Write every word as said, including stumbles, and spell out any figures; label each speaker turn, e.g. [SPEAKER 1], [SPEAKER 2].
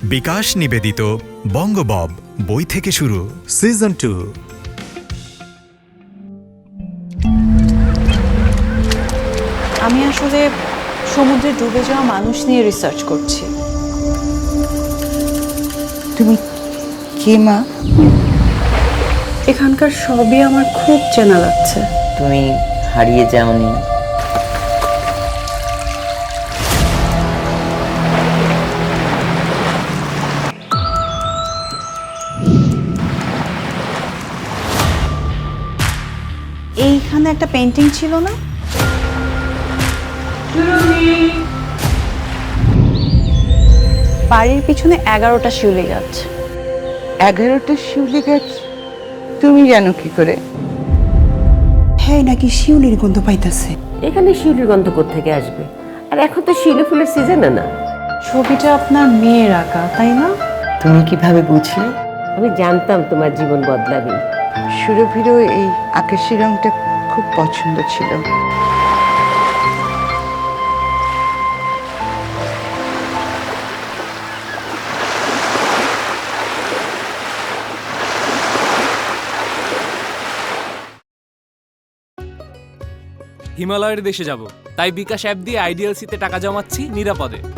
[SPEAKER 1] বিকাশ নিবেদিত বঙ্গবব বই থেকে শুরু সিজন টু।
[SPEAKER 2] আমি আসলে সমুদ্রে ডুবে যাওয়া মানুষ নিয়ে রিসার্চ করছি।
[SPEAKER 3] তুমি কে মা?
[SPEAKER 2] এখানকার সবই আমার খুব চেনা লাগছে।
[SPEAKER 3] তুমি হারিয়ে যাওনি?
[SPEAKER 2] এইখানে একটা পেন্টিং ছিল না? বাড়ির পিছনে এগারোটা শিউলি গাছ।
[SPEAKER 3] এগারোটা শিউলি গাছ তুমি জানো কি করে?
[SPEAKER 2] হ্যাঁ, নাকি শিউলির গন্ধ পাইতাছে।
[SPEAKER 4] এখানে শিউলির গন্ধ কোত্থেকে আসবে? আর এখন তো শিউলি ফুলের সিজনে না।
[SPEAKER 2] ছবিটা আপনার মেয়ের আঁকা, তাই না?
[SPEAKER 3] তুমি কিভাবে বুঝলে?
[SPEAKER 4] আমি জানতাম তোমার জীবন বদলাবে।
[SPEAKER 3] সুরভিরও এই আকাশি রংটা খুব পছন্দ ছিল।
[SPEAKER 5] হিমালয়ের দেশে যাব, তাই বিকাশ অ্যাপ দিয়ে আইডিএলসিতে টাকা জমাচ্ছি নিরাপদে।